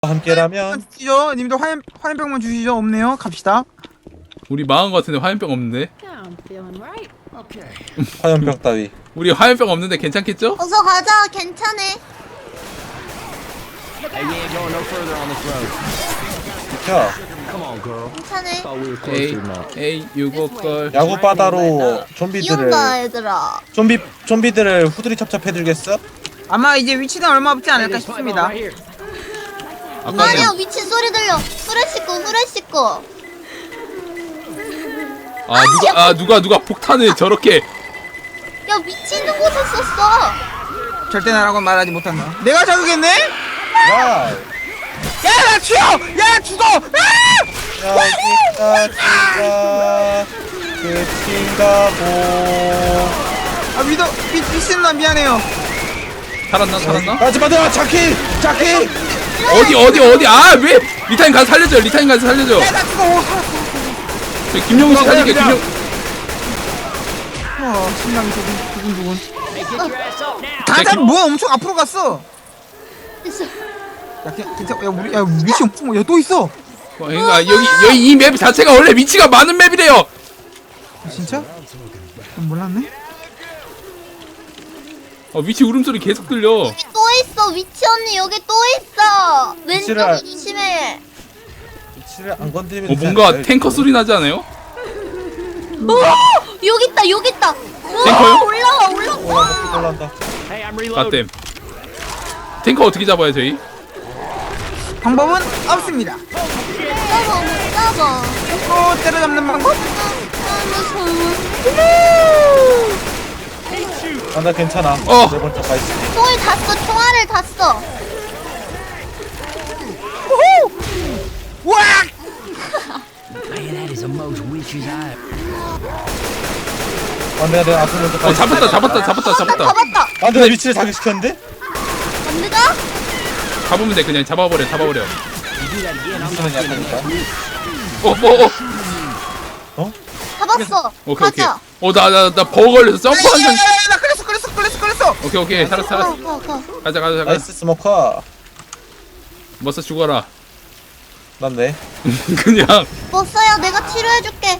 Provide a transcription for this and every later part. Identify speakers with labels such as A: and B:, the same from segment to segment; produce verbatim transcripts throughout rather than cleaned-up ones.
A: 함께라면
B: 주시죠. 님도 화염 화염병만 주시죠. 없네요. 갑시다.
C: 우리 망한 거 같은데 화염병 없는데?
A: 화염병 따위.
C: 우리 화염병 없는데 괜찮겠죠?
D: 어서 가자. 괜찮네.
A: 비켜.
D: 괜찮네.
C: 에이 에이 유고걸
A: 야구 바다로
D: 비
A: 좀비들을
D: 온다 얘들아.
A: 좀비 좀비들을 후드리 찹찹해주겠어?
B: 아마 이제 위치는 얼마 없지 않을까 싶습니다.
C: 아까
D: 아니야
C: 전
D: 위치 소리 들려. 후레 씻고 후레 씻고.
C: 아 누가 아 누가 누가 폭탄을 저렇게
D: 야 위치 있는 곳에 썼어.
B: 절대 나라고 말하지 못한다. 내가 자극했네?
A: 와.
B: 야나 튀어! 야 죽어! 아!
A: 여기까지가 끝인가 보.
B: 아 위도 미 미친 나 미안해요.
C: 살았나 살았나?
A: 하지마 너 자키 자키.
C: 어디 어디 어디 아 왜 리타임 가서 살려줘 리타임 가서 살려줘
B: 야나 죽어. 오,
C: 저 김용우 씨 살릴게 김용
B: 어 심장이 두근 두근 두근.
C: 자,
B: 가자
C: 김-
B: 뭐야 엄청 앞으로 갔어.
D: 있어.
B: 야 괜- 괜찮아. 야 우리 야 위치 엄청 야또 있어.
C: 어, 그러니까 여기 여기 이 맵 자체가 원래 위치가 많은 맵이래요.
B: 진짜? 난 몰랐네.
C: 어, 위치 울음소리 계속 들려.
D: 여기 또 있어. 위치 언니 여기 또 있어.
A: 위치를
D: 왼쪽에
A: 알-
D: 조심해.
A: 위치를 안 건드리면
C: 어,
A: 되지
C: 뭔가
A: 않을까요?
C: 탱커 소리 나지 않아요?
D: 오 여기 있다 여기 있다. 우와,
C: 탱커요?
D: 올라와 올라와.
A: 올라온다 올라온다.
C: 가댐. 탱커 어떻게 잡아요 저희?
B: 방법은 없습니다.
D: 잡아 못 잡아.
B: 또 때려잡는 방법?
D: 아 무서워.
A: 아 나 괜찮아.
C: 어.
A: 네 번째 가 있으니.
D: 총을 다 써. 총알을 다 써.
B: 우와!
A: 아 내가 내가 앞으로 먼저 가
C: 어
A: 있어.
C: 잡았다 잡았다 잡았다 잡았다.
D: 잡았다.
A: 아 내가 위치를 자극시켰는데?
D: 안 되가?
C: 잡으면 돼 그냥 잡아버려 잡아버려.
A: 위치는 약하니까.
C: 어뭐 어.
A: 어?
D: 잡았어.
C: 오케이 오케이.
D: 가자.
C: 어나 나 나 버거 걸려서 점프 한 장.
B: 야야야 나 끌렸어 끌렸어 끌렸어 끌렸어.
C: 오케이 오케이 살았어
D: 가,
C: 살았어.
D: 가, 가.
C: 가자 가자 가자.
A: 나이스 스모커.
C: 머싸 죽어라.
A: 난데.
C: 그냥
D: 머싸야 내가 치료해줄게.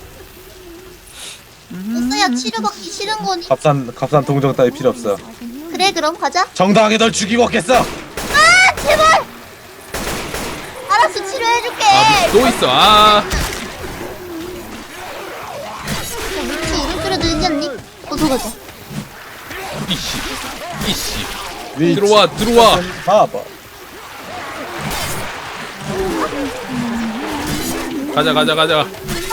D: 머싸야 치료받기 싫은 거니?
A: 값싼 값싼 동정 따위 필요 없어.
D: 그래 그럼 가자.
A: 정당하게 널 죽이고 없겠어.
D: 아 제발. 알았어 치료해줄게.
C: 아또 있어 아.
D: 위치 이름표로 들지 않니? 어서 가자.
C: 이씨 이씨.
A: 위치.
C: 들어와 들어와.
A: 봐봐.
C: 가자 가자 가자.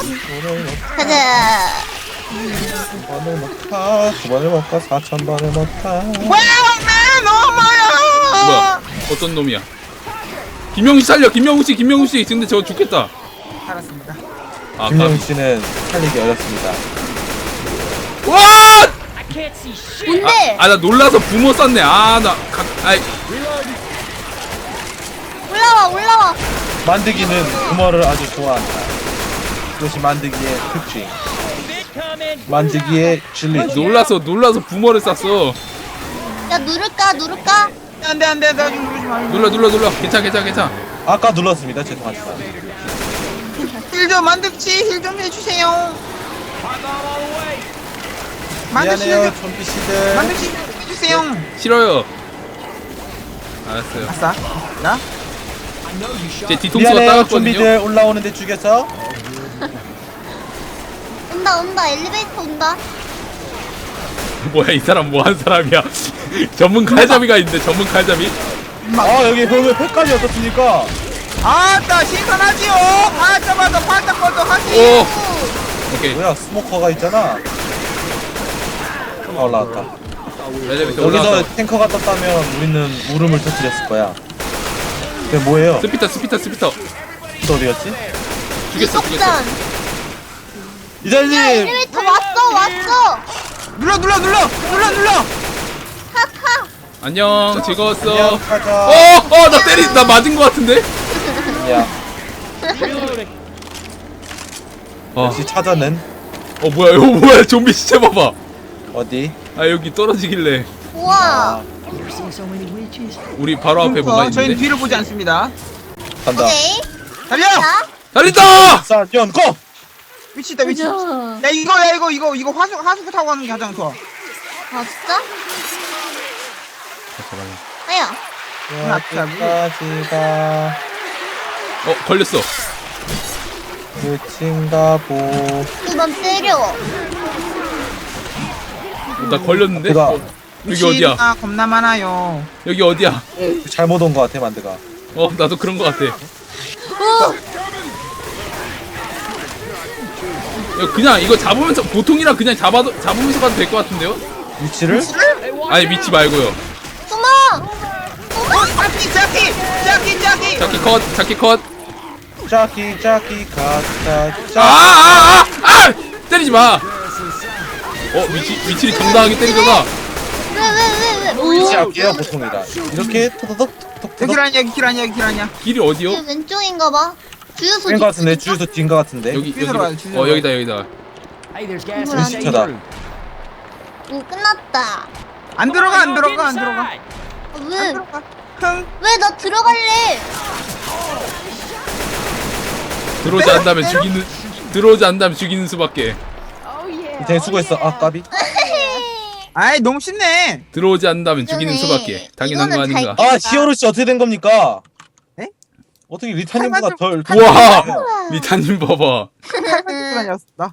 D: 가자.
A: 두 번을 먹다 두 번을 먹다 사천 번을 먹다.
B: 와맨 엄마야.
C: 뭐야 어떤 놈이야? 김영우 씨 살려 김영우 씨 김영우 씨 근데 저 죽겠다.
B: 알았습니다.
C: 아
A: 김영희
C: 가.
A: 씨는 살리기 어렵습니다.
C: 와!
D: 뭔데?
C: 아 나 놀라서 부모 쐈네. 아나 아이
D: 올라와 올라와.
A: 만드기는 부모를 아주 좋아한다. 이것이 만드기의 특징. 만드기의 진리.
C: 놀라서 놀라서 부모를 쐈어.
D: 야 누를까 누를까?
B: 안돼 안돼 나 좀 누르지 마.
C: 눌러 눌러 눌러. 괜찮아 괜찮아 괜찮아.
A: 아까 눌렀습니다. 죄송합니다.
B: 힐좀 만듭지 힐 좀 해주세요. 만듭지
A: 미안해요,
B: 힐
A: 좀비 씨들.
B: 만듭지 해주세요.
C: 싫어요. 알았어요.
B: 아싸. 나?
C: 제 뒤통수가
A: 미안해요,
C: 따갑거든요.
A: 좀비들 올라오는데 죽여서.
D: 온다 온다 엘리베이터 온다.
C: 뭐야 이 사람 뭐 한 사람이야? 전문 칼잡이가 있는데 전문 칼잡이?
A: 아 여기 왜 팩까지 어떻습니까?
B: 아따 신선하지요. 바짝바짝 바짝바짝 하지.
C: 오 오케이.
A: 뭐야 스모커가 있잖아. 아, 올라왔다.
C: 엘리베이터
A: 여기서
C: 올라왔어.
A: 탱커가 떴다면 우리는 울음을 터뜨렸을 거야. 그게 뭐예요?
C: 스피터 스피터 스피터.
A: 또 어디였지?
C: 죽였어 죽였어.
D: 속전.
A: 이달님.
D: 엘리베이터 왔어 왔어.
B: 눌러 눌러 눌러 눌러 눌러.
D: 카카.
C: 안녕 즐거웠어.
A: 안녕, 가자.
C: 어어 나 때리 나 맞은 거 같은데?
A: 야,
C: 어,
A: 역시 찾아는
C: 어 뭐야 이거 뭐야 좀비 시체 봐봐.
A: 어디?
C: 아 여기 떨어지길래
D: 우와.
A: 아,
C: 우리 바로 앞에 뭐가
B: 저희는
C: 있는데?
B: 뒤를 보지 않습니다.
A: 간다.
D: 오케이.
B: 달려!
D: 자.
C: 달린다!
A: 사연 고!
B: 위치다 위치.
D: 가자.
B: 야 이거 야 이거 이거 이거 하수 하수구 타고 가는 게 가장 좋아.
D: 아 진짜?
C: 잠깐만요.
D: 아야.
A: 여기까지가
C: 어 걸렸어.
A: 끝인가 보.
D: 그만 때려.
C: 나 걸렸는데?
A: 내가
C: 어, 여기 어디야?
B: 아 겁나 많아요.
C: 여기 어디야?
A: 잘못 온 것 같아 만드가.
C: 어 나도 그런 거 같아. 야,
D: 어.
C: 그냥 이거 잡으면서 보통이랑 그냥 잡아도 잡으면서 가도 될 것 같은데요?
A: 위치를?
C: 아니 위치 말고요.
D: 숨어.
B: 어 자키 자키 자키 자키.
C: 자키 컷, 자키 컷.
A: 짜기 짜기 가짜 짜.
C: 아아아 아, 아, 아! 때리지 마. 어 위치 위치를 정당하게 때리잖아.
D: 왜왜왜 왜?
A: 위치
D: 오.
A: 할게요 보통이다. 이렇게 토도독
B: 여기
A: 톡톡톡.
B: 라냐 여기 길 아니야 여기 길 아니야.
C: 길이 어디요?
D: 이게 왼쪽인가 봐. 주유소.
A: 뺀거 같은데 주유소 뒤인 거 같은데.
C: 여기 여기.
B: 뒤로 가요, 뒤로
C: 어 여기다 여기다.
D: 이걸 안
A: 시켜다.
D: 오 끝났다.
B: 안 들어가 안 들어가 안 들어가.
D: 아,
B: 안
D: 왜?
B: 들어가. 흥.
D: 왜 나 들어갈래?
C: 들어오지 않다면 죽이는 들어오지 않다면 죽이는 수밖에.
A: 되게 수고했어. 아 까비.
B: 아이 너무 쉽네.
C: 들어오지 않는다면 죽이는
D: 이거네.
C: 수밖에. 당연한 거
D: 이거는 잘
C: 아닌가?
A: 아 히어로 씨 어떻게 된 겁니까?
B: 에?
A: 어떻게 리타님보다 덜?
C: 우와 리타님 봐봐.
B: 다녔다.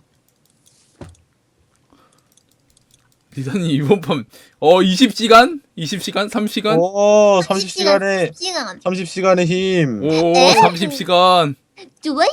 C: 리타님 이번 판어 이십 시간? 이십 시간? 삼십 시간?
A: 오 삼십 시간에
D: 시간.
A: 삼십 시간의 힘.
C: 오 삼십 시간.
D: 좋아요.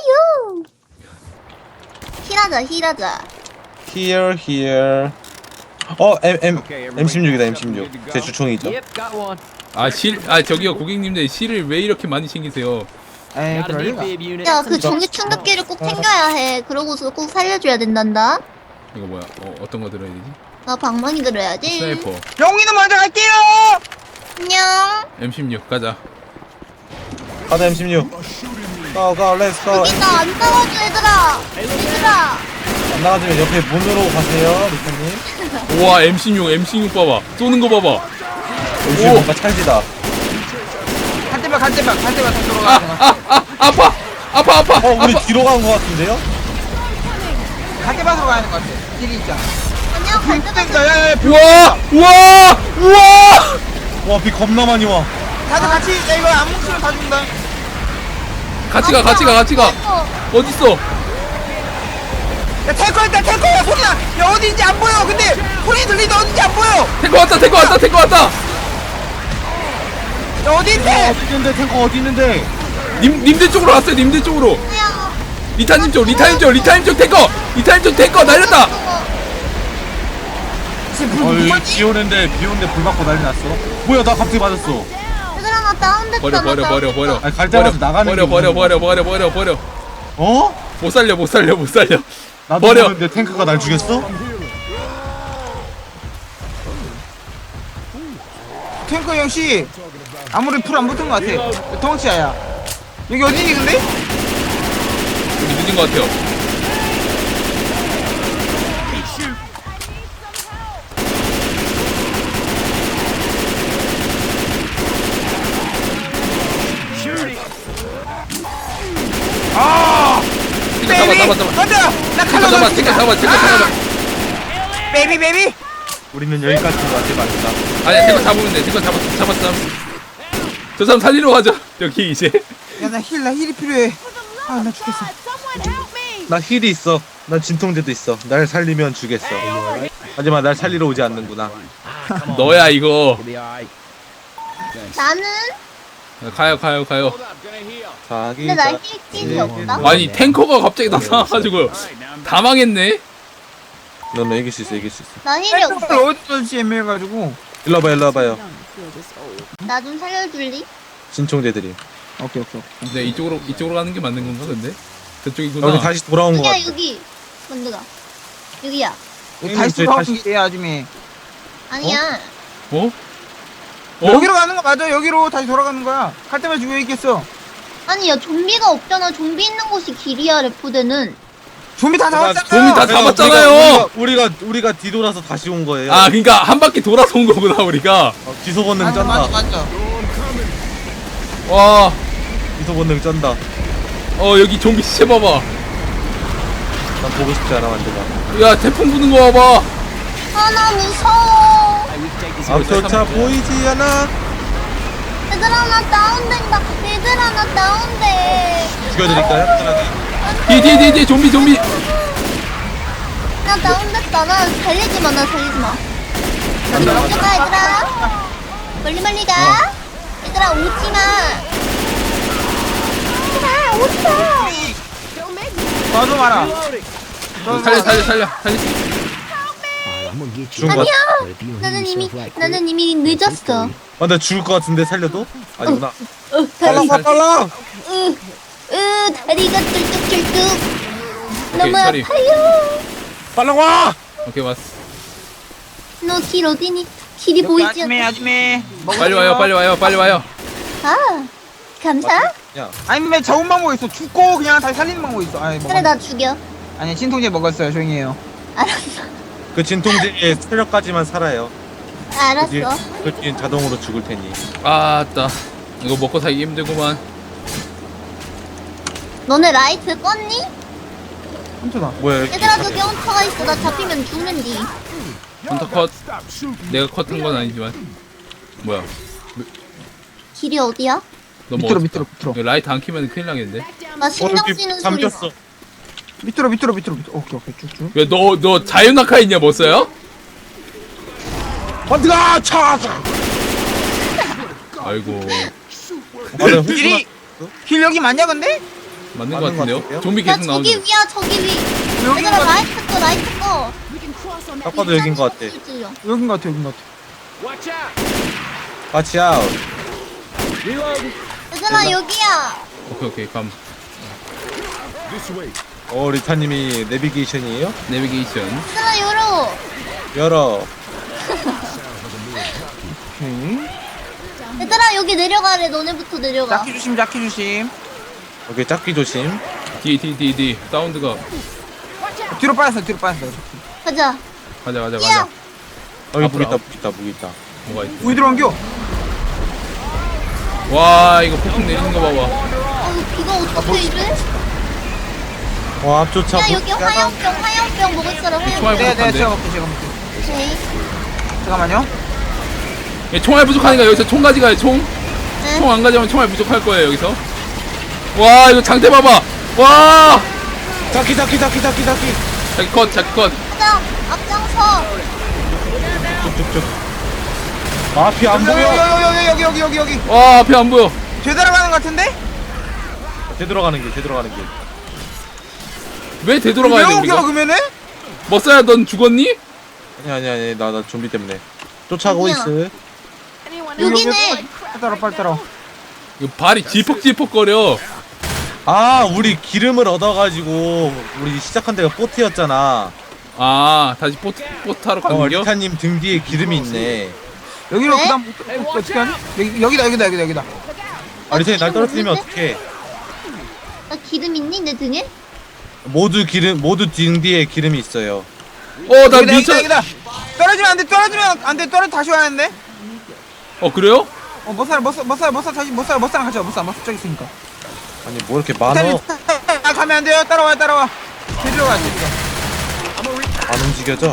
D: 힐하자 힐하자.
A: Here here. 어 M M M 십육이다 M 십육. 제 주총이죠.
C: 아 실 아 저기요 고객님들 실을 왜 이렇게 많이 챙기세요?
B: 에이 그럴 리가.
D: 야 그 전기 충격기를 꼭 챙겨야 해. 그러고서 꼭 살려줘야 된단다.
C: 이거 뭐야? 어 어떤 거 들어야 되지?
D: 나 방망이 들어야지.
C: 스나이퍼
B: 영희는 먼저 갈게요.
D: 안녕.
C: 엠 십육 가자.
A: 가자 M 십육. 고고 렛츠 고.
D: 여기 나 안 나와줘 얘들아. 얘들아.
A: 안 나가지면 옆에 문으로 가세요 리타님.
C: 우와 엠 십육 엠 십육 봐봐 쏘는 거 봐봐.
A: M 십육 뭔가 찰지다.
B: 갈 때만 갈 때만 갈 때만 다
C: 아
B: 들어가.
C: 아 아 아파 아파 아파
A: 어 우리
C: 아파.
A: 뒤로 간 거 같은데요?
B: 갈 때만 들어가야 하는 것 같아. 길이 있잖아.
D: 안녕 갈 때만.
B: 땡겨 야야.
C: 우와 우와 우와.
A: 와 비 겁나 많이 와.
B: 다들 같이 야 이거 안 뭉치면 다 준다.
C: 같이 가 같이 가 같이 가. 어딨어?
B: 야 탱커 있다 탱커야 소리나. 야 어디인지 안 보여. 근데 소리 들리는데 어딘지 안 보여.
C: 탱커 왔다 탱커 왔다 탱커 왔다.
B: 야 어디인데?
A: 어디 있는데 탱커 어디 있는데?
C: 님 님들 쪽으로 왔어요 님들 쪽으로.
D: 그냥.
C: 리타님 쪽 리타님 쪽 리타님 쪽 탱커 리타님 쪽 탱커 날렸다.
A: 어이 비 오는데 비 오는데 불 받고 난리 났어. 뭐야 나 갑자기 맞았어.
D: 얘들아 나 다운됐다.
C: 버려
D: 나
C: 버려 버려 버려.
A: 아니, 갈 때마다
C: 버려,
A: 나가는
C: 버려
A: 게
C: 버려
A: 무슨-
C: 버려 버려 버려 버려.
A: 어?
C: 못 살려 못 살려 못 살려.
A: 나도
C: 버려.
A: 모르는데 탱크가 날 죽였어?
B: 탱커 형씨 아무리 풀 안 붙은 것 같아. 덩치야야. 여기 어디니 근데?
C: 우리 늦은 것 같아요.
B: 아!
C: 탱커 잡아 잡아 잡아.
B: 맞아. 나
C: 탱커
B: 칼로
C: 잡아 탱커 잡아 탱커 잡아.
B: 베이비 베이비.
A: 우리는 여기까지인 것 같아 맞다.
C: 아니야 탱커 잡으면 돼 탱커 잡았어 잡았어 잡았어. 저 사람 살리러 가자 여기 이제.
B: 야 나 힐 나 힐이 필요해. 아 나 죽겠어.
A: 나 힐이 있어. 난 진통제도 있어. 날 살리면 주겠어. 하지만 날 살리러 오지 않는구나.
C: 너야 이거.
D: 나는.
C: 가요 가요 가요.
A: 자기
D: 근데 나
A: 자-
D: 힐킹이 없다.
C: 아니 탱커가 갑자기 나타나가지고 다 망했네.
A: 너는 이길 수 있어 이길 수 있어.
D: 나 힐이
B: 탱커를
D: 없어.
B: 어디서 애매해가지고.
A: 일로 와봐 일로 와봐요.
D: 나 좀 살려줄리?
A: 진통제들이.
B: 오케이 오케이.
C: 네 이쪽으로 이쪽으로 가는 게 맞는 건가 근데? 저쪽이구나.
A: 여기 다시 돌아온 것
D: 여기야
A: 같아.
D: 여기. 먼저가. 여기야.
B: 다시
A: 저희
B: 돌아오는
A: 다시-
B: 길이야 아줌이.
D: 아니야.
C: 어? 어?
B: 여기로 가는 거 맞아. 여기로 다시 돌아가는 거야. 갈 때만 죽여 있겠어.
D: 아니 야 좀비가 없잖아. 좀비 있는 곳이 길이야 레포대는.
B: 좀비 다 잡았잖아.
C: 좀비 다
A: 그래서
C: 잡았잖아요.
A: 우리가, 우리가 우리가 우리가 뒤돌아서 다시 온 거예요.
C: 아 그러니까 한 바퀴 돌아서 온 거구나 우리가.
A: 어, 기소 본능
B: 맞아
A: 짠다.
B: 맞아 맞아.
C: 와
A: 기소 본능 쩐다.
C: 어 여기 좀비 시체 봐봐.
A: 난 보고 싶지 않아 만드가.
C: 야 태풍 부는 거 봐봐.
D: 아, 나 무서워.
A: 앞조차 보이지 않아.
D: 얘들아, 나 다운된다. 얘들아, 나 다운돼.
A: 죽여드릴까요? 편하게.
C: 뒤뒤뒤뒤 좀비 좀비.
D: 나 다운됐다. 나 살리지 마, 나 살리지 마. 멀리 멀리 가, 얘들아. 멀리 멀리 가. 얘들아, 오지 마. 얘들아, 오지 마.
B: 봐줘 마라.
C: 살려 살려 살려 살릴 수 있어.
A: 죽은 거 같...
D: 아니야. 나는 이미, 나는 이미 늦었어.
A: 아, 나 죽을 것 같은데 살려도? 아니구나.
D: 어, 다리,
A: 빨라 빨라.
D: 으, 으, 다리가 뚫뚝뚫뚝. 너무
C: 다리.
D: 아파요.
A: 빨라 와.
C: 오케이 왔어.
D: 너 길 어디니? 길이 보이지
B: 아줌매
D: 않아.
B: 아줌매.
C: 빨리 와요 빨리 와요 빨리 와요.
D: 아, 감사.
A: 야,
B: 아니면 좋은 방법 있어. 죽고 그냥 다시 살리는 방법 있어. 아니
D: 그래,
B: 먹었...
D: 나 죽여.
B: 아니 진통제 먹었어요. 조용히 해요.
D: 알았어.
A: 그 진통제의 체력까지만 살아요. 그 뒤,
D: 알았어.
A: 그 뒤엔 자동으로 죽을 테니.
C: 아따 이거 먹고 살기 힘들구만.
D: 너네 라이트 껐니?
B: 훔쳐다.
A: 뭐야? 여기
D: 얘들아, 저기 헌터가 있어. 나 잡히면 죽는디.
C: 헌터 컷. 내가 컷한 건 아니지만. 뭐야?
D: 길이 어디야?
C: 너무
B: 밑으로,
C: 어둡다.
B: 밑으로, 밑으로.
C: 이거 라이트 안 켜면 큰일 나겠는데?
D: 나 신경
A: 어,
D: 쓰이는
A: 여기
D: 소리.
A: 잠겼어.
B: 밑으로 밑으로 밑으로 밑으로. 오케이 오케이 쭉쭉.
C: 왜 너 너 자유낙하 있냐 뭐 써요?
A: 어디가 차.
C: 아이고
A: 아, 나
B: 길이 길 여기 맞냐 근데?
C: 맞는 거
A: 맞는 것
C: 같은데요?
A: 같은데요?
C: 좀비
D: 야,
C: 계속
D: 저기
C: 나오는.
D: 위야, 저기 위.
B: 여기
D: 얘들아,
B: 거
D: 라이트 꺼, 라이트 꺼.
A: 딱 봐도 여긴 것 같아.
B: 여긴 것 같아 여긴 것 같아.
A: 같이 아웃.
D: 얘들아, 여기야.
C: 오케이 오케이 감.
A: 어, 리타님이 내비게이션이에요?
C: 내비게이션.
D: 얘들아, 열어.
A: 열어.
B: 오케이.
D: 얘들아, 여기 내려가래. 너네부터 내려가.
B: 자키 조심 자키 조심.
A: 오케이, 짝기 조심.
C: 뒤 뒤 뒤 뒤 사운드가.
B: 뒤로 빠졌어 뒤로 빠졌어.
D: 가자.
C: 가자 가자
D: 뛰어.
C: 가자.
A: 여기
C: 앞으로,
A: 무 있다,
C: 앞으로.
A: 무 있다, 무 있다.
C: 뭐가 있어?
B: 우리 들어온겨.
C: 와 이거 폭풍 내리는 거 봐봐.
D: 어, 비가 어떻게 이래?
A: 와, 앞조차.
D: 야, 여기 화염병, 화염병 먹을 사람
C: 총알
D: 화염병.
B: 내가 내가
C: 부족한데.
B: 제가 먹게 제가 먹게.
D: 오케이.
B: 잠깐만요.
C: 예, 총알 부족하니까 여기서 총 가져가요 총.
D: 네.
C: 총 안 가져가면 총알 부족할 거예요 여기서. 와 이거 장대 봐봐. 와.
A: 짝기, 짝기, 짝기, 짝기, 짝기.
C: 자기 컷 자기 컷.
D: 가자. 앞장서.
A: 쭉쭉쭉. 아, 앞이 안
B: 여기
A: 보여.
B: 여기 여기 여기 여기 여기.
C: 와 앞에 안 보여.
B: 제대로 가는 것 같은데?
A: 되돌아가는 길, 되돌아가는 길.
C: 왜 되돌아가야 돼
B: 왜
C: 우리가?
B: 옮겨 그러면은?
C: 머싸야 넌 죽었니?
A: 아니, 아니, 아니, 나, 나 좀비 때문에. 쫓아가고
D: 어디야?
A: 있어.
D: 여기네.
B: 따라 빨리 따라.
C: 이거 발이 질퍽질퍽거려.
A: 아, 우리 기름을 얻어가지고, 우리 시작한 데가 포트였잖아.
C: 아 다시 보트 보트 타러
A: 어,
C: 가는 겨?
A: 리타님 등 뒤에 기름이 있네.
B: 여기로
D: 네?
B: 그다음 어, 어떻게 하니? 여기 여기다 여기다 여기다 여기다.
A: 아, 리타님 날
D: 기름
A: 떨어뜨리면
D: 없는데?
A: 어떡해.
D: 나 기름 있니? 내 등에?
A: 모두 기름, 모두 등 뒤에 기름이 있어요.
C: 어나
B: 여기다
C: 미쳐.
B: 여기다 여기다. 떨어지면 안 돼. 떨어지면 안 돼. 떨어 다시 와야 하는데.
C: 어 그래요?
B: 어, 못 살아, 못 살아, 못 살아, 못 살아, 다시 못 살아, 못 살아, 같이 와, 못 살아, 못 살아, 저기 있으니까.
A: 아니, 뭐 이렇게 많어.
B: 아, 가면 안 돼요. 따라와, 따라와. 제대로 가, 제대로.
A: 안 움직여져.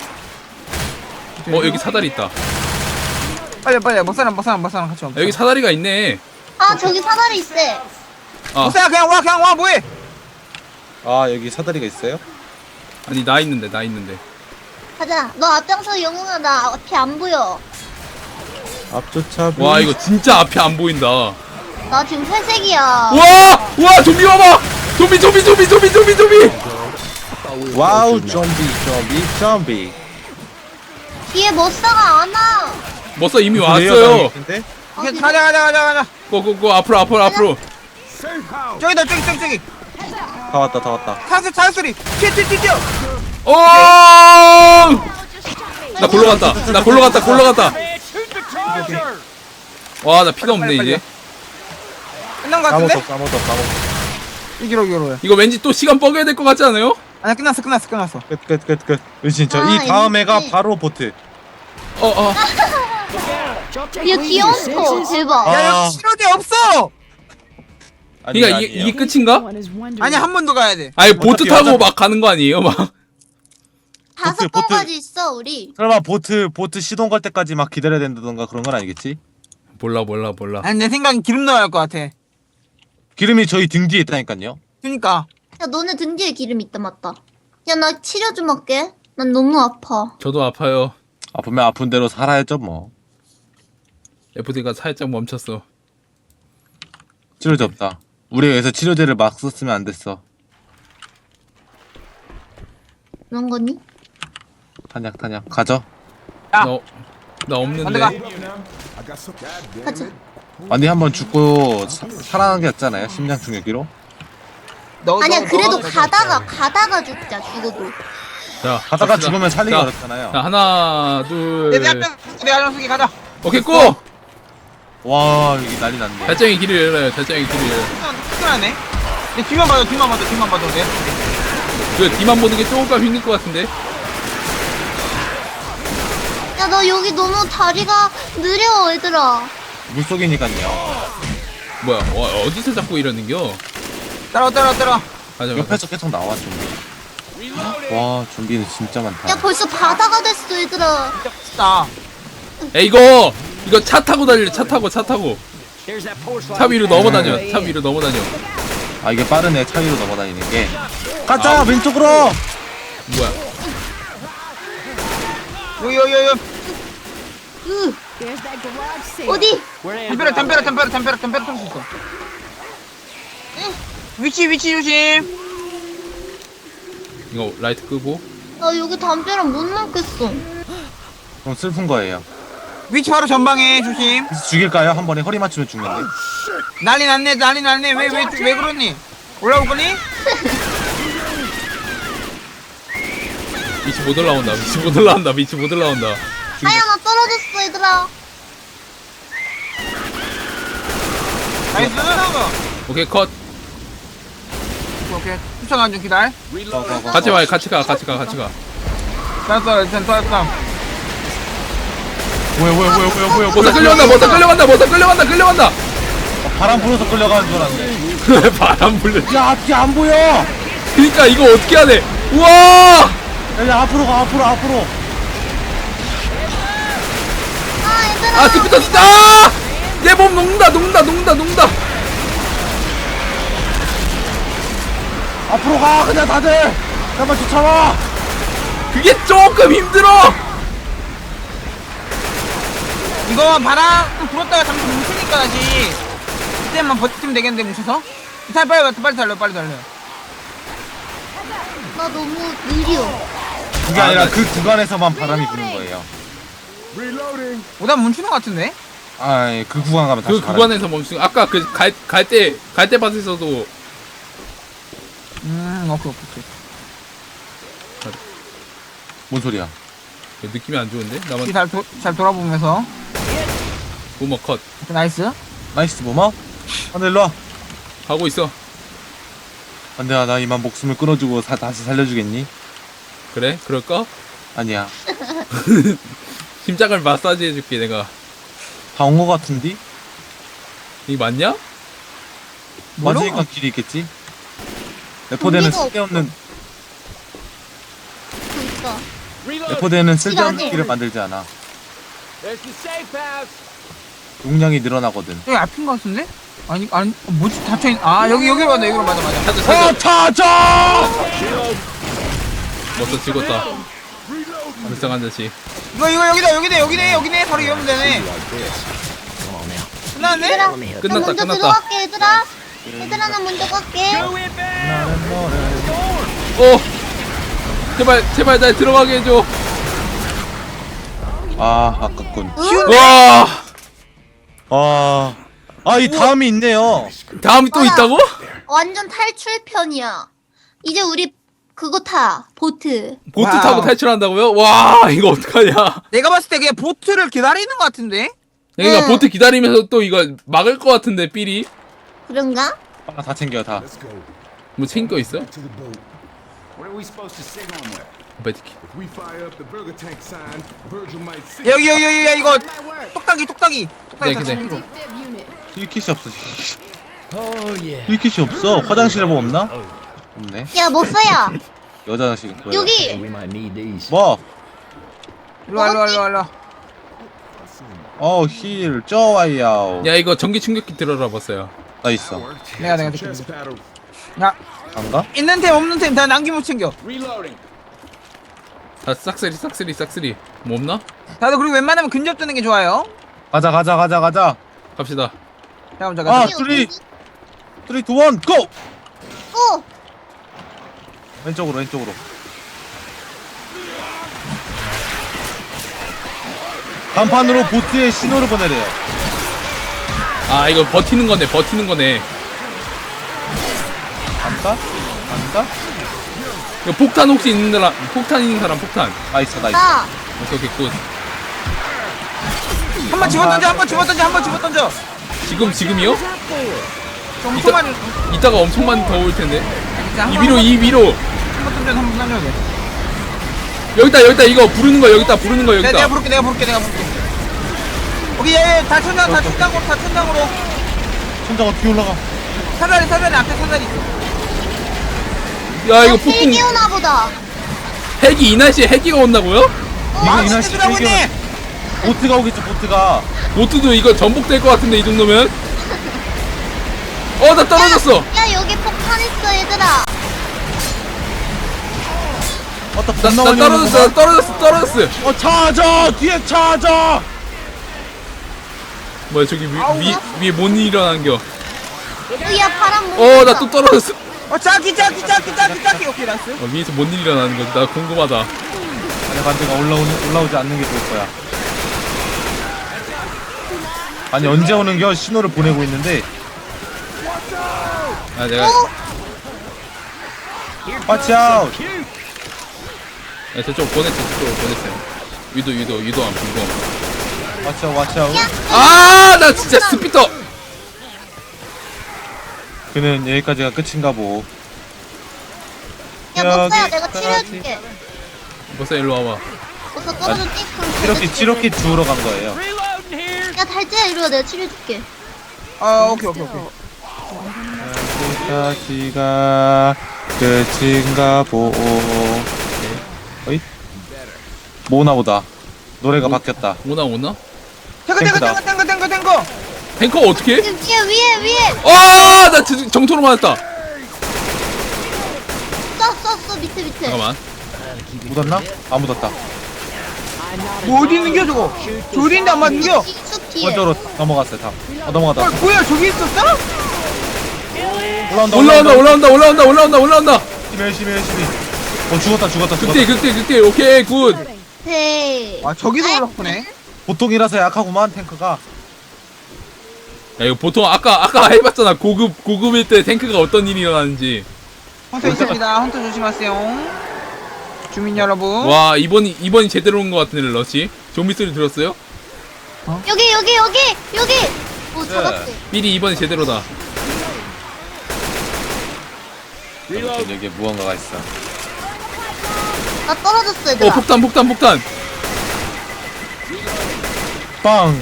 C: 어 여기 사다리 있다.
B: 빨리, 빨리, 못 살아, 못 살아, 못 살아, 같이 와.
C: 아, 여기 사다리가 있네.
D: 아, 저기 사다리 있대.
C: 아
B: 못 살아, 그냥 와, 그냥 와, 뭐해?
A: 아, 여기 사다리가 있어요?
C: 아니 나 있는데 나 있는데.
D: 가자. 너 앞장서 영웅아. 나 앞이 안 보여.
A: 앞조차.
C: 와 이거 진짜 앞이 안 보인다.
D: 나 지금 회색이야.
C: 와! 와 좀비 와봐! 좀비 좀비 좀비 좀비 좀비 좀비!
A: 와우, 좀비, 좀비, 좀비.
D: 뒤에 머싸가 안 와.
C: 머싸 이미
A: 레이어
C: 왔어요.
A: 당했는데?
D: 아,
B: 오케이,
D: 그래?
B: 가자, 가자, 가자, 가자.
C: 고고고 앞으로 앞으로 앞으로.
B: 저기다, 저기, 저기, 저기.
A: 다 왔다, 다 왔다.
B: 타스, 타스 소리. 튀어, 튀어, 튀어, 튀어.
C: 오! 나 골로 갔다. 나 골로 갔다. 골로 갔다. 와 나 피가 없네 이제.
B: 끝난 거
A: 아무것도
B: 같은데?
A: 없어, 아무것도 없어, 아무것도 없어.
B: 이기로, 이기로.
C: 이거 왠지 또 시간 뻐겨야 될 것 같지 않아요?
B: 아니야, 끝났어, 끝났어, 끝났어.
A: 끝, 끝, 끝, 끝. 왜 진짜.
D: 아,
A: 이 다음 애가
D: 재밌지.
A: 바로 보트.
C: 어 어.
D: 야, 귀여운 거. 대박.
B: 야,
A: 아.
B: 여기 신호대 없어!
C: 그러니까 이게, 이게 끝인가?
B: 아니 한 번 더 가야 돼.
C: 아니 보트
A: 어차피
C: 타고
A: 어차피-
C: 막 가는 거 아니에요 막?
D: 다섯
A: 보트-
D: 번까지 있어 우리.
A: 설마 보트 보트 시동 걸 때까지 막 기다려야 된다던가 그런 건 아니겠지?
C: 몰라 몰라 몰라.
B: 아니 내 생각엔 기름 넣어야 할 것 같아.
A: 기름이 저희 등 뒤에 있다니까요.
B: 그니까.
D: 야 너네 등 뒤에 기름 있다 맞다. 야 나 치료 좀 할게. 난 너무 아파.
C: 저도 아파요.
A: 아프면 아픈 대로 살아야죠 뭐.
C: 에프디가 살짝 멈췄어.
A: 치료제 없다. 우리 여기서 치료제를 막 썼으면 안 됐어.
D: 그런 거니?
A: 탄약 탄약 가져.
B: 야.
C: 나, 나
B: 안돼 가.
C: 없는데.
D: 가자.
A: 언니 한 번 죽고 사, 살아난 게 낫잖아요. 심장 충격기로.
B: 너,
D: 아니야
B: 너,
D: 그래도
B: 너, 너,
D: 가다가 가다가 죽자 죽어도.
C: 자
A: 가다가
C: 갑시다.
A: 죽으면 살리기
C: 자,
A: 어렵잖아요.
C: 자 하나 둘.
B: 내 앞에 내 안녕하세요 가자.
C: 오케이 고!
A: 와 여기 난리 났네.
C: 달장이 길을 열어요. 달장이 길을 열어요.
B: 특별하네. 내 뒤만 봐도 뒤만 봐도 뒤만 봐도 돼.
C: 그 뒤만 보는 게 조금 힘들 것 같은데.
D: 야 너 여기 너무 다리가 느려 얘들아.
A: 물속이니까요.
C: 뭐야? 와, 어디서 자꾸 이러는겨?
B: 따라와 따라와 따라와.
C: 맞아 맞아.
A: 옆에서 계속 나와 좀비. 와 좀비는 진짜 많다.
D: 야 벌써 바다가 됐어 얘들아.
B: 진짜.
C: 야 이거 이거 차 타고 달려. 차 타고 차 타고. 차 위로 넘어다녀. 차 위로 넘어다녀.
A: 아 이게 빠르네. 차 위로 넘어다니는 게. 가자
C: 아.
A: 왼쪽으로.
C: 뭐야?
B: 요요요요.
D: 으. 어디?
B: 담벼락 담벼락 담벼락 담벼락 담벼락 탈수 있어. 위치 위치 조심.
C: 이거 라이트 끄고.
D: 나 여기 담벼락 못 넘겠어.
A: 그럼 슬픈 거예요.
B: 위치 바로 전방에 조심.
A: 그래서 죽일까요? 한 번에 허리 맞추면 죽는데.
B: 난리 났네 난리 났네. 왜 왜 왜 그러니? 올라올 거니?
C: 위치 못 올라온다. 위치 못 올라온다. 위치 못 올라온다.
D: 아야 나 떨어졌어 얘들아.
B: 나이스.
C: 오케이 컷.
B: 오케이 추천한 좀 기다려.
A: 거, 거, 거,
C: 같이
A: 거.
C: 와. 같이 가. 같이 가. 같이 가.
B: 됐어 일단 됐어.
A: 뭐야 뭐야 뭐야 뭐야 뭐야.
C: 모사 끌려간다. 모사 끌려간다. 모사 끌려간다. 끌려간다.
A: 어, 바람 불어서 끌려가는 줄 알았네.
C: 바람 불려.
A: 야 앞이 안 보여.
C: 그러니까 이거 어떻게 해야 돼? 우와!
A: 야, 야 앞으로 가 앞으로 앞으로.
D: 아 얘들아.
C: 아 스피터 진짜! 아! 내 몸 녹는다. 녹는다. 녹는다. 녹는다.
A: 앞으로 가 그냥 다들. 잠깐만 쫓아와.
C: 그게 조금 힘들어.
B: 이거 바람 불었다가 잠시 뭉치니까 다시 그때만 버티면 되겠는데 뭉쳐서. 빨리 빨리 빨리 달려 빨리 달려.
D: 나 너무 느려.
A: 그게
C: 아,
A: 아니라
C: 나-
A: 그 구간에서만 바람이 부는 거예요.
B: 오다 뭉치는 것 같은데?
A: 아그 구간 가면 다시
C: 그 구간에서 멈춘. 아까 그 갈 갈 때 갈 때 밭에서도
B: 음 오케이 오케이.
A: 뭔 소리야?
C: 느낌이 안 좋은데? 나만
B: 잘, 도, 잘 돌아보면서.
C: 보머 컷
B: 오케이, 나이스.
A: 나이스 보마. 안돼 일로 와.
C: 하고 있어.
A: 안돼 나 이만 목숨을 끊어주고 사, 다시 살려주겠니?
C: 그래? 그럴까?
A: 아니야.
C: 심장을 마사지 해줄게 내가.
A: 다 온 거 같은디?
C: 이게 맞냐?
B: 뭐로?
A: 맞으니까 길이 있겠지? 레포대는
D: 좀비가
A: 쓸데없는
D: 그니까.
A: 레포대는 쓸데없는
D: 시간이.
A: 길을 만들지 않아. 용량이 늘어나거든.
B: 여기 앞인 것 같은데? 아니, 아니, 어, 뭐지? 닫혀있, 아, 여기, 여기로 간다, 여기로 맞아, 맞아.
C: 찾아
A: 어
C: 찾아.
A: 찾아!
C: 멋져 찍었다. 불쌍한 자식.
B: 이거, 이거, 여기다, 여기네, 여기네, 여기네. 바로 이러면 되네. 끝났네?
D: 얘들아.
C: 끝났다,
D: 나 먼저
C: 끝났다.
D: 들어갈게 얘들아. 얘들아 나 먼저 갈게.
C: 어 제발 제발 날 들어가게 해줘.
A: 아 아깝군.
C: 와
A: 아, 아 이 다음이 있네요.
C: 다음이 또
D: 맞아.
C: 있다고?
D: 완전 탈출편이야. 이제 우리 그거 타 보트.
C: 보트
B: 와우.
C: 타고 탈출한다고요? 와 이거 어떡하냐.
B: 내가 봤을 때 그냥 보트를 기다리는 것 같은데?
C: 그러니까
D: 응.
C: 보트 기다리면서 또 이거 막을 것 같은데 삘이.
D: 그런가?
A: 아, 다 챙겨 다.
C: 뭐 챙긴 거 있어?
E: To the boat. What are we supposed to sit on with?
C: 베티키.
E: If we fire up the burger tank sign, Virgil might see.
B: 여기, 여기, 여기, 야, 이거, 똑딱이, 똑딱이. 똑딱이
C: 네,
B: 다
C: 네.
B: 챙기고.
A: 킬킷이 없어. 힐킷이 없어. 화장실에 뭐 없나? 없네.
D: 야, 못 써야.
A: 여자 화장실 있고요.
D: 여기.
A: 뭐?
B: 일로 와 일로 와 일로 와 일로 와.
A: 어, 힐, 쪼와이야오.
C: 야 이거 전기 충격기 들어라 봤어요.
A: 나 있어.
B: 내가 내가 줄게.
E: Chest paddle.
B: 야
A: 안 가?
B: 있는 템 없는 템 다 남기면 챙겨.
E: Reloading.
C: 다 싹쓸이 싹쓸이 싹쓸이. 뭐 없나?
B: 다들 그리고 웬만하면 근접 뜨는 게 좋아요.
A: 가자, 가자, 가자, 가자.
C: 갑시다.
B: 잠깐만 잠깐.
A: 아,
D: 여기
A: 쓰리,
D: 어디?
A: 쓰리, 투, 원, 고!
D: 오!
A: 왼쪽으로, 왼쪽으로. 간판으로 보트에 신호를 보내래요.
C: 아 이거 버티는 거네 버티는 거네.
A: 간다? 간다?
C: 이거 폭탄 혹시 있는 사람 폭탄 있는 사람 폭탄.
A: 나 있어, 나 있어.
D: 나.
C: 오케이 오케이 굿.
B: 한 번 집어 던져 한 번 집어 던져 한 번 집어 던져.
C: 지금 지금이요?
B: 저 엄청 많이.
C: 이따가 엄청 많이 더 올 텐데.
B: 자,
C: 이
B: 한
C: 위로
B: 번,
C: 이 위로.
B: 한번 던져 한번 던져 돼.
C: 여기다 여기다 이거 부르는 거 여기다 부르는 거
B: 내가 내가
C: 여기다.
B: 부를게 내가 부를게 내가 부를게. 오케이 얘다 천장 다 천장으로 다 천장으로.
A: 천장 어떻게 올라가?
B: 사다리 사다리 앞에 사다리 있어.
C: 야 이거
D: 헬기
C: 폭풍
D: 오나 보다.
C: 핵이 이 날씨에 핵이가 온다고요?
A: 이거
B: 아
A: 이 날씨
B: 진짜 들어오고 있네.
A: 보트가 오겠지, 보트가.
C: 보트도 이거 전복될 것 같은데 이 정도면. 어 나 떨어졌어.
D: 야, 여기 폭탄 있어, 얘들아.
A: 어, 나
C: 나,
A: 겁나
C: 나
A: 많이
C: 떨어졌어
A: 오는구만.
C: 나 떨어졌어 떨어졌어.
A: 어, 찾아! 뒤에 찾아!
C: 뭐야 저기 위,
B: 아우,
C: 위,
B: 나-
C: 위에 못 일어난 겨.
D: 야, 파란 문.
C: 어 나 또 떨어졌어.
B: 어 짜기 짜기 짜기 짜기 짜기 오케이 나이스.
C: 어, 위에서 뭔 일이 일어나는 거지? 나 궁금하다.
A: 아니, 반대가 올라오는, 올라오지 않는 게 좋을 거야. 아니, 언제 오는겨? 신호를 보내고 있는데.
C: 아 내가
D: 어?
A: Watch out!
C: 야, 저쪽 보냈어 저쪽 보냈어요. 위도 위도 위도 안 보고.
A: Watch out, watch out.
D: 야,
C: 아 나 진짜 스피터.
A: 그는 여기까지가 끝인가 보.
D: 야, 못 써야 내가
A: 여기까지.
D: 치료해줄게.
C: 벌써 일로 와봐.
D: 벌써 떨어져 띵크.
A: 치료킷, 치료킷 주우러 간 거예요.
D: 야, 달지야, 이리 와. 내가 치료해줄게.
B: 아 오케이 오케이 오케이.
A: 여기까지가 끝인가 보. 어이? 뭐나 보다. 노래가 바뀌었다.
C: 오나 오나?
B: 탱크 탱크
A: 탱크다.
B: 탱크 탱크 탱크 탱크.
C: 탱커 어떻게?
D: 위에, 위에, 위에.
C: 아나 정토로 맞았다.
D: 써, 써, 써. 밑에, 밑에.
C: 잠깐만.
A: 묻었나? 안 묻었다.
B: 뭐 어디 있는겨 저거? 저 어디 있는데 안 맞는겨?
D: 쑥 뒤에.
A: 먼저로 넘어갔어요, 다. 어, 넘어가다.
B: 어 뭐야 저기 있었어?
A: 올라온다,
C: 올라온다 올라온다 올라온다 올라온다 올라온다.
A: 열심히, 열심히, 열심히. 어, 죽었다, 죽었다, 죽었다.
C: 극대 극대 극대 오케이 굿.
D: 네.
B: 아 저기서 올라오네.
A: 보통이라서 약하구만, 탱크가.
C: 야 이거 보통 아까 아까 해봤잖아. 고급 고급일 때 탱크가 어떤 일이 일어나는지.
B: 헌터 있습니다. 헌터 조심하세요. 주민 여러분.
C: 와 이번이 이번이 제대로 온 것 같은데 러시. 좀비 소리 들었어요?
D: 여기, 여기, 여기, 여기. 오, 잡았지.
C: 미리 이번이 제대로다.
A: 아무튼 여기에 무언가가 있어.
D: 나 떨어졌어,
C: 어
D: 얘들아.
C: 폭탄 폭탄 폭탄.
A: 빵!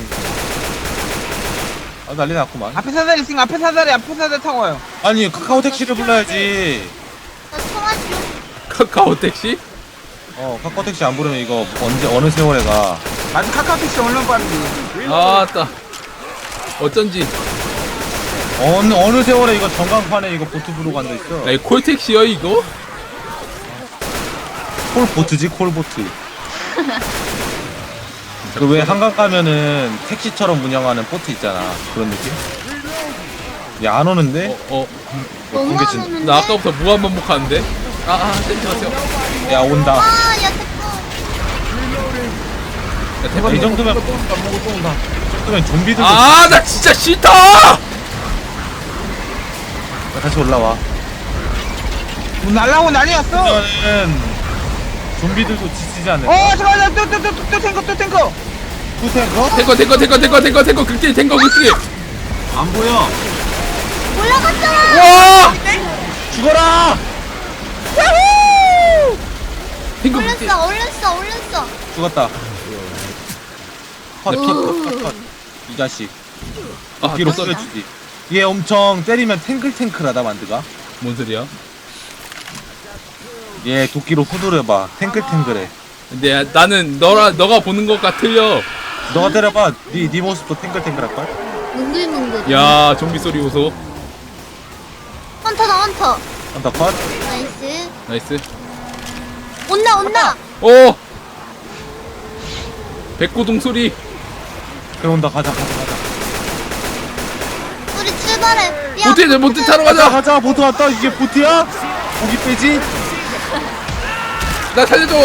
A: 아, 난리 났구만.
B: 앞에 사다리 있으니까 앞에 사다리 앞에 사다리 타고 와요.
A: 아니, 카카오 택시를 불러야지.
D: 나 통화 좀.
C: 카카오 택시?
A: 어, 카카오 택시 안 부르면 이거 언제, 어느 세월에 가.
B: 맞아 카카오택시 얼마나 빠른지.
C: 아따. 어쩐지.
A: 어느, 어느 세월에 이거 전광판에 이거 보트 부르고 앉아있어.
C: 야, 이 콜택시야 이거?
A: 콜보트지, 콜보트. 그 왜 한강 가면은 택시처럼 운영하는 보트 있잖아. 그런 느낌? 야, 안 오는데?
C: 어,
D: 너무
A: 공개
D: 안
A: 진-
D: 오는데?
C: 나 아까부터 무한 반복하는데? 아, 아, 땡지 마세요.
A: 야, 온다.
D: 아, 야, 됐어.
C: 야, 대박.
A: 이 정도면, 이 정도면 좀비들도
C: 아, 나 진짜 싫다!
A: 다시 올라와.
B: 뭐 날라오고 난리였어.
A: 그러면은 좀비들도 지치지 않을까?
B: 어 잠깐만 또또또또 탱커 또 탱커.
A: 투탱커?
C: 탱커, 탱커, 탱커, 탱커, 탱커, 탱커, 극딜, 탱커, 극딜!
A: 안 보여.
D: 올라갔잖아.
C: 와!
A: 죽어라!
C: 탱커 극딜.
D: 올렸어, 올렸어, 올렸어.
A: 죽었다. 컷,
C: 네,
A: 컷, 컷, 컷, 컷. 이 자식.
C: 아,
A: 뒤로
C: 또,
A: 쓰여주지. 얘 엄청 때리면 탱글탱글하다 만드가.
C: 뭔 소리야?
A: 얘 도끼로 후두려봐. 탱글탱글해.
C: 근데 야, 나는 너라 너가 보는 것과 틀려.
A: 너가 때려봐. 네, 네 모습도 탱글탱글할걸?
D: 뭉글뭉글.
C: 야 좀비 소리 오소.
D: 헌터다 헌터.
A: 한다 컷.
D: 나이스.
C: 나이스.
D: 온나 온나.
C: 오. 백고동 소리.
A: 그래 온다. 가자 가자 가자.
D: 우리 출발해. 야,
C: 보트 보트 타러
A: 가자
C: 가자.
A: 가자. 보트 왔다. 이게 보트야? 고기 빼지?
C: 나 살려줘.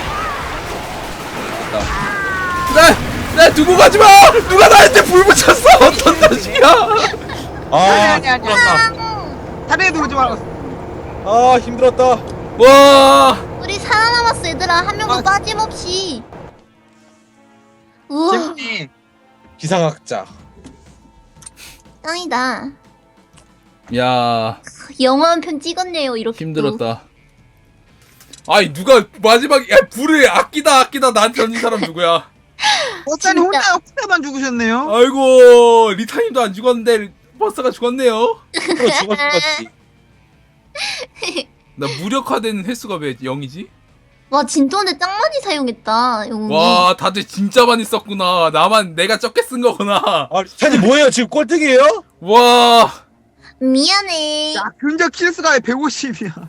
C: 나, 나 두고 가지 마. 누가 나한테 불 붙였어? 어떤 자식이야?
A: 아
B: 아니, 아니, 아니.
A: 힘들었다.
B: 다리에 들어오지 말았어.
A: 아 힘들었다.
C: 와.
D: 우리 살아남았어 얘들아. 한 명도
B: 아.
D: 빠짐없이. 우와.
B: 재밌네.
A: 기상학자.
D: 짱이다.
C: 야
D: 영화 한 편 찍었네요 이렇게.
C: 힘들었다. 아이 누가 마지막에 야, 불을 아끼다 아끼다 나한테 던진 사람 누구야?
B: 버스님
D: 진짜.
B: 혼자 혼자만 죽으셨네요.
C: 아이고 리타님도 안 죽었는데 버스가 죽었네요.
A: 그거 죽어 죽었지.
C: 나 무력화된 횟수가 왜 영이지?
D: 와 진통제 짱 많이 사용했다 영웅이.
C: 와 다들 진짜 많이 썼구나. 나만 내가 적게 쓴 거구나.
A: 아 리타님 뭐예요? 지금 꼴등이에요?
C: 와
D: 미안해.
B: 야, 근접 킬수가 백오십이야.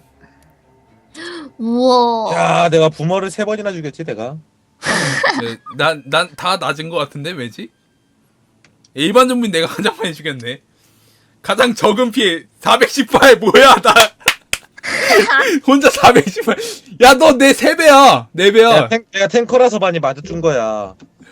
D: 우와.
A: 야 내가 부모를 세 번이나 죽였지 내가.
C: 난난 다 낮은 거 같은데 왜지? 일반 좀비 내가 가장 많이 죽였네. 가장 적은 피해 사백십팔 뭐야 나 혼자 사백십팔. 야 너 내 세 배야 네 배야.
A: 내가, 탱, 내가 탱커라서 많이 맞아준 거야.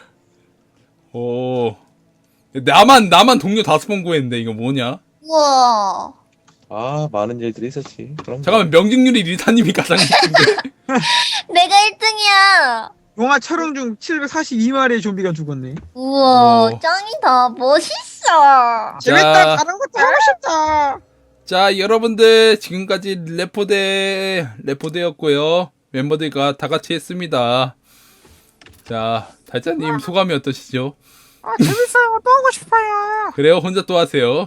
C: 오 나만 나만 동료 다섯 번 구했는데 이거 뭐냐?
D: 우와.
A: 아 많은 일들이 있었지. 그럼
C: 잠깐만 명중률이 리타님이 가장 높은데.
D: 내가 일 등이야.
B: 영화 촬영 중 칠백사십이 마리의 좀비가 죽었네.
D: 우와
C: 오.
D: 짱이다. 멋있어.
B: 재밌다. 다른 것도 하고 싶다.
C: 자 여러분들 지금까지 레포대 레포대였고요. 멤버들과 다 같이 했습니다. 자 달짜님 소감이 어떠시죠?
B: 아 재밌어요. 또 하고 싶어요.
C: 그래요? 혼자 또 하세요.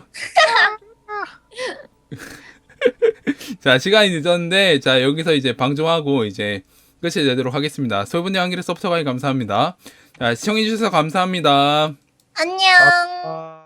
C: 자 시간이 늦었는데 자 여기서 이제 방종하고 이제 끝이 되도록 하겠습니다. 솔분의 한길의 서브스크라이브 감사합니다. 자 시청해주셔서 감사합니다.
D: 안녕.
A: 아...